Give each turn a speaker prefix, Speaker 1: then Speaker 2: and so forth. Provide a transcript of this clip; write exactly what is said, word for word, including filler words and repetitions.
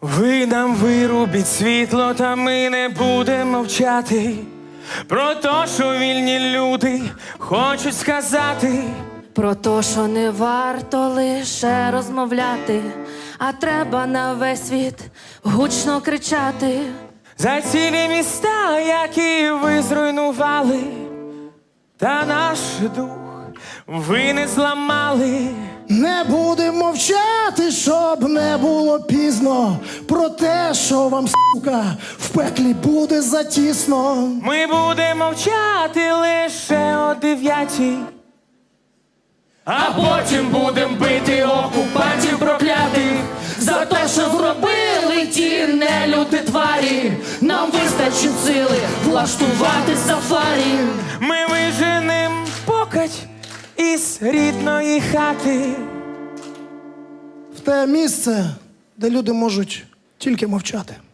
Speaker 1: Ви нам вирубіть світло, та ми не будемо мовчати про те, що вільні люди хочуть сказати.
Speaker 2: Про те, що не варто лише розмовляти, а треба на весь світ гучно кричати.
Speaker 1: За цілі міста, які ви зруйнували, та наш дух ви не зламали.
Speaker 3: Не будемо мовчати, щоб не було пізно, про те, що вам, сука, в пеклі буде затісно.
Speaker 1: Ми будемо мовчати лише о дев'ятій, а потім будем бити окупантів проклятих
Speaker 2: За те, що зробили ті нелюди тварі, нам вистачить сили влаштувати сафарі.
Speaker 1: Ми виженем покать із рідної хати.
Speaker 3: В те місце, де люди можуть тільки мовчати.